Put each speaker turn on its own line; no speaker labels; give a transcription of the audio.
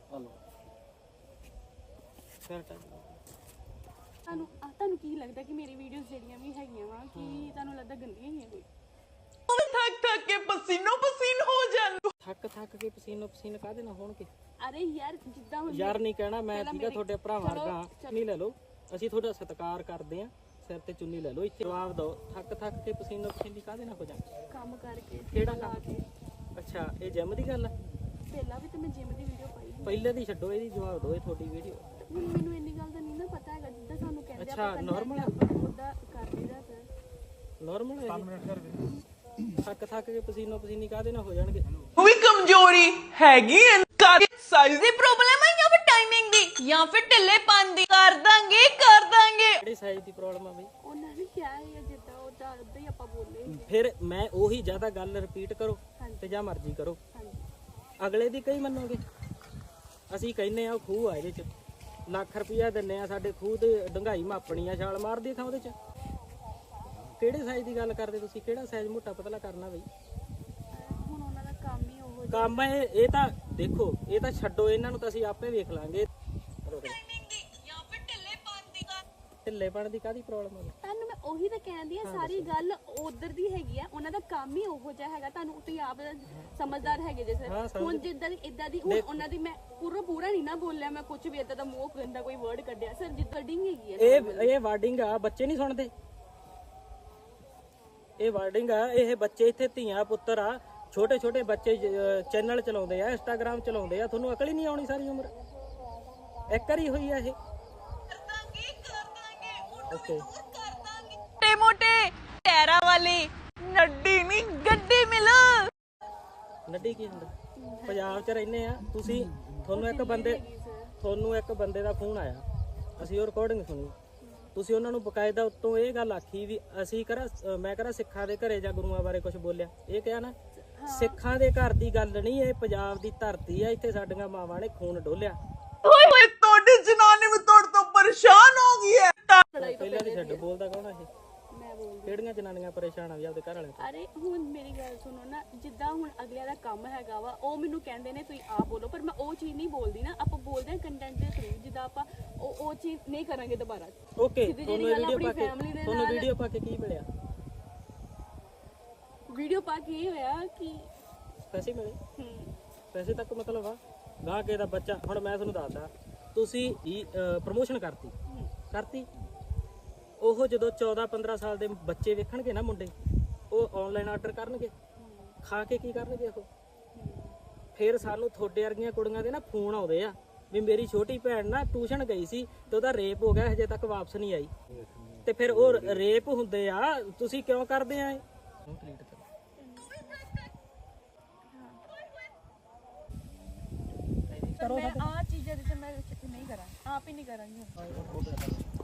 Hello ਫਿਰ
ਤੁਹਾਨੂੰ ਕੀ ਲੱਗਦਾ ਕਿ ਮੇਰੀ ਵੀਡੀਓਜ਼ ਜਿਹੜੀਆਂ ਵੀ ਹੈਗੀਆਂ ਵਾ ਕਿ ਤੁਹਾਨੂੰ ਲੱਗਦਾ ਗੰਦੀਆਂ ਹੀ ਆ ਕੋਈ?
ਥੱਕ ਥੱਕ ਕੇ ਪਸੀਨੋ ਪਸੀਨ ਹੋ ਜਾਂਦੇ।
ਥੱਕ ਕੇ ਪਸੀਨੋ ਪਸੀਨ ਕਾਹਦੇ ਨਾਲ ਹੋਣਗੇ?
ਅਰੇ ਯਾਰ ਜਿੱਦਾਂ ਹੁਣ
ਯਾਰ ਨਹੀਂ ਕਹਿਣਾ ਮੈਂ, ਠੀਕ ਆ ਤੁਹਾਡੇ ਭਰਾਵਾਂ ਵਰਗਾ। ਚੁੰਨੀ ਲੈ ਲਓ, ਅਸੀਂ ਤੁਹਾਡਾ ਸਤਿਕਾਰ ਕਰਦੇ ਆ, ਸਿਰ ਤੇ ਚੁੰਨੀ ਲੈ ਲਓ। ਇੱਥੇ ਜਵਾਬ ਦਿਓ, ਥੱਕ ਕੇ ਪਸੀਨੋ ਪਸੀਨੀ ਕਾਹਦੇ ਨਾਲ ਹੋ ਜਾਂਦੇ?
ਕੰਮ ਕਰਕੇ
ਕਿਹੜਾ ਕੰਮ? ਅੱਛਾ, ਇਹ ਜਿਮ ਦੀ ਗੱਲ ਆ?
ਪਹਿਲਾਂ ਵੀ ਤਾਂ ਮੈਂ ਜਿਮ ਦੀ ਵੀਡੀਓ ਪਾਈ ਸੀ।
ਪਹਿਲੇ ਦੀ ਛੱਡੋ, ਇਹਦੀ ਜਵਾਬ ਦਿਓ। ਇਹ ਤੁਹਾਡੀ ਵੀਡੀਓ
ਹੁਣ ਮੈਨੂੰ ਇੰਨੀ ਗੱਲ ਦਾ ਨਹੀਂ ਨਾ ਪਤਾ ਹੈਗਾ, ਜਿੱਦਾਂ ਸਾਨੂੰ ਕਹਿੰਦੇ
ਅੱਛਾ, normal ਆ?
ਉਹਦਾ ਕਰ ਲਈਦਾ ਸਰ।
ਨਾਰਮਲ ਹੈ? 5 ਮਿੰਟ ਕਰ ਦੇ। ਥੱਕ ਕੇ ਪਸੀਨੋ ਪਸੀਨੀ ਕਾਹਦੇ ਨਾਲ ਹੋ ਜਾਣਗੇ?
ਉਹ ਵੀ ਕਮਜ਼ੋਰੀ ਹੈਗੀ ਐ, ਸਾਈਜ਼ ਦੀ ਪ੍ਰੋਬਲਮ ਹੈ ਜਾਂ ਫਿਰ ਟਾਈਮਿੰਗ ਦੀ ਜਾਂ ਫਿਰ ਢਿੱਲੇਪਨ ਦੀ? ਕਰ ਦਾਂਗੇ
ਕਿਹੜੀ ਸਾਈਜ਼ ਦੀ ਪ੍ਰੋਬਲਮ ਆ ਬਈ?
ਉਹਨਾਂ ਨੇ ਕਿਹਾ ਹੈ ਜਿੱਦਾਂ ਉਹਦਾ ਉਦਾਂ ਹੀ ਆਪਾਂ ਬੋਲੇ।
ਫਿਰ ਮੈਂ ਉਹੀ ਜ਼ਿਆਦਾ ਗੱਲ ਰਿਪੀਟ ਕਰੋ ਤੇ ਜਾਂ ਮਰਜ਼ੀ ਕਰੋ, ਅਗਲੇ ਦੀ ਕਈ ਮੰਨੋਗੇ? ਅਸੀਂ ਕਹਿੰਨੇ ਆ ਉਹ ਖੂਹ ਆ, ਇਹਦੇ ਚ ਲੱਖ ਰੁਪਇਆ ਦਿੰਨੇ ਆ, ਸਾਡੇ ਖੂਹ ਤੇ ਡੰਗਾਈ ਮਾਪਣੀ ਆ, ਛਾਲ ਮਾਰਦੀ ਥਾਂ ਉਹਦੇ ਚ। ਕਿਹੜੇ ਸਾਈਜ਼ ਦੀ ਗੱਲ ਕਰਦੇ ਤੁਸੀਂ? ਕਿਹੜਾ ਸਾਈਜ਼ ਮੋਟਾ ਪਤਲਾ ਕਰਨਾ ਬਈ?
ਹੁਣ ਉਹਨਾਂ ਦਾ ਕੰਮ ਹੀ ਉਹ
ਕੰਮ ਇਹ ਤਾਂ ਦੇਖੋ, ਇਹ ਤਾਂ ਛੱਡੋ, ਇਹਨਾਂ ਨੂੰ ਤਾਂ ਅਸੀਂ ਆਪੇ ਵੇਖ ਲਾਂਗੇ। ਢਿੱਲੇਪਣ ਦੀ ਕਾਹਦੀ ਪ੍ਰੋਬਲਮ ਆ?
ਤੁਹਾਨੂੰ ਮੈਂ ਉਹੀ ਤਾਂ ਕਹਿੰਦੀ ਆ, ਸਾਰੀ ਗੱਲ ਉਧਰ ਦੀ ਹੈਗੀ ਆ, ਉਹਨਾਂ ਦਾ ਕੰਮ ਹੀ ਉਹੋ ਜਿਹਾ ਹੈਗਾ। ਤੁਹਾਨੂੰ ਤੁਸੀਂ ਆਪ ਸਮਝਦਾਰ ਹੈਗੇ ਜੇ ਸਰ। ਹੁਣ ਜਿੱਦਾਂ ਦੀ ਇਦਾਂ ਦੀ ਹੁਣ ਉਹਨਾਂ ਦੀ ਮੈਂ ਪੂਰਾ ਨਹੀਂ ਨਾ ਬੋਲਿਆ, ਮੈਂ ਕੁਝ ਵੀ ਇਦਾਂ ਦਾ ਮੂੰਹ ਗੰਦਾ ਕੋਈ ਵਰਡ ਕੱਢਿਆ ਸਰ, ਜਿੱਦਾਂ ਡਿੰਗ ਹੈਗੀ ਆ।
ਇਹ ਵਾਰਡਿੰਗ ਆ, ਬੱਚੇ ਨਹੀਂ ਸੁਣਦੇ। ਇਹ ਵਾਰਡਿੰਗ ਆ, ਇਹ ਬੱਚੇ ਇੱਥੇ ਧੀਆਂ ਪੁੱਤਰ ਆ, ਛੋਟੇ ਬੱਚੇ ਚੈਨਲ ਚਲਾਉਂਦੇ ਆ, ਇੰਸਟਾਗ੍ਰਾਮ ਚਲਾਉਂਦੇ ਆ। ਤੁਹਾਨੂੰ ਅਕਲ ਹੀ ਨਹੀਂ ਆਉਣੀ ਸਾਰੀ ਉਮਰ? ਇੱਕ ਵਾਰੀ ਹੋਈ ਆ ਇਹ? ਓਕੇ,
ਮੋਟੇ ਟੈਰਾ ਵਾਲੀ ਨੱਡੀ ਨਹੀਂ ਗੱਡੀ ਮਿਲ।
ਨੱਡੀ ਕੀ ਹੁੰਦਾ? ਪੰਜਾਬ 'ਚ ਰਹਿੰਦੇ ਆ ਤੁਸੀਂ, ਤੁਹਾਨੂੰ ਇੱਕ ਬੰਦੇ ਦਾ ਫੋਨ ਆਇਆ, ਅਸੀਂ ਉਹ ਰਿਕਾਰਡਿੰਗ ਸੁਣੀ। ਤੁਸੀਂ ਉਹਨਾਂ ਨੂੰ ਬਕਾਇਦਾ ਉੱਤੋਂ ਇਹ ਗੱਲ ਆਖੀ ਵੀ ਅਸੀਂ ਮੈਂ ਕਰਾਂ ਸਿੱਖਾਂ ਦੇ ਘਰੇ ਜਾਂ ਗੁਰੂਆਂ ਬਾਰੇ ਕੁਝ ਬੋਲਿਆ? ਇਹ ਕਿਹਾ ਨਾ, ਸਿੱਖਾਂ ਦੇ ਘਰ ਦੀ ਗੱਲ ਨਹੀਂ, ਇਹ ਪੰਜਾਬ ਦੀ ਧਰਤੀ ਆ, ਇੱਥੇ ਸਾਡੀਆਂ ਮਾਵਾਂ ਨੇ ਖੂਨ ਡੋਲਿਆ।
ਓਏ ਤੁਹਾਡੀ ਜਨਾਨੀ ਵੀ ਤੁਹਾਡੇ ਤੋਂ ਪਰੇਸ਼ਾਨ ਹੋ ਗਈ ਹੈ।
ਪਹਿਲਾਂ ਦੀ ਛੱਡ, ਬੋਲਦਾ ਕੌਣ ਆ ਇਹ?
ਮੈਂ ਬੋਲਦੀ।
ਕਿਹੜੀਆਂ ਜਨਾਨੀਆਂ ਪਰੇਸ਼ਾਨ ਆ ਵੀ ਆਪਦੇ ਘਰ ਵਾਲੇ ਤੋਂ?
ਅਰੇ ਹੁਣ ਮੇਰੀ ਗੱਲ ਸੁਣੋ ਨਾ, ਜਿੱਦਾਂ ਹੁਣ ਅਗਲਿਆਂ ਦਾ ਕੰਮ ਹੈਗਾ ਵਾ, ਉਹ ਮੈਨੂੰ ਕਹਿੰਦੇ ਨੇ ਤੁਸੀਂ ਆਪ ਬੋਲੋ, ਪਰ ਮੈਂ ਉਹ ਚੀਜ਼ ਨਹੀਂ ਬੋਲਦੀ ਨਾ। ਆਪਾਂ ਬੋਲਦੇ ਹਾਂ ਕੰਟੈਂਟ ਦੇ ਥਰੂ, ਜਿੱਦਾਂ ਆਪਾਂ ਉਹ ਚੀਜ਼ ਨਹੀਂ ਕਰਾਂਗੇ ਦੁਬਾਰਾ।
ਓਕੇ, ਤੁਹਾਨੂੰ ਵੀਡੀਓ ਪਾ ਕੇ ਕੀ ਮਿਲਿਆ?
ਵੀਡੀਓ ਪਾ ਕੇ ਇਹ ਹੋਇਆ ਕਿ
ਪੈਸੇ ਮਿਲੇ? ਪੈਸੇ ਤੱਕ ਮਤਲਬ ਆ ਗਾਹ ਕੇ ਦਾ ਬੱਚਾ। ਹੁਣ ਮੈਂ ਤੁਹਾਨੂੰ ਦੱਸਦਾ, ਤੁਸੀਂ ਪ੍ਰਮੋਸ਼ਨ ਕਰਤੀ ਉਹ ਜਦੋਂ 14-15 ਸਾਲ ਦੇ ਬੱਚੇ ਵੇਖਣਗੇ ਨਾ ਮੁੰਡੇ, ਉਹ ਆਨਲਾਈਨ ਆਰਡਰ ਕਰਨਗੇ, ਖਾ ਕੇ ਕੀ ਕਰਨਗੇ ਉਹ? ਫਿਰ ਸਾਨੂੰ ਤੁਹਾਡੇ ਵਰਗੀਆਂ ਕੁੜੀਆਂ ਦੇ ਨਾ ਫੋਨ ਆਉਂਦੇ ਆ ਵੀ ਮੇਰੀ ਛੋਟੀ ਭੈਣ ਨਾ ਟਿਊਸ਼ਨ ਗਈ ਸੀ ਤੇ ਉਹਦਾ ਰੇਪ ਹੋ ਗਿਆ, ਹਜੇ ਤੱਕ ਵਾਪਸ ਨਹੀਂ ਆਈ। ਤੇ ਫਿਰ ਉਹ ਰੇਪ ਹੁੰਦੇ ਆ, ਤੁਸੀਂ ਕਿਉਂ ਕਰਦੇ ਆ ਇਹ?
ਮੈਂ ਆ ਚੀਜ਼ਾਂ ਜਿੱਥੇ ਮੈਂ ਨਹੀਂ ਕਰਾਂ, ਆਪ ਹੀ ਨਹੀਂ ਕਰਾਂਗੀ।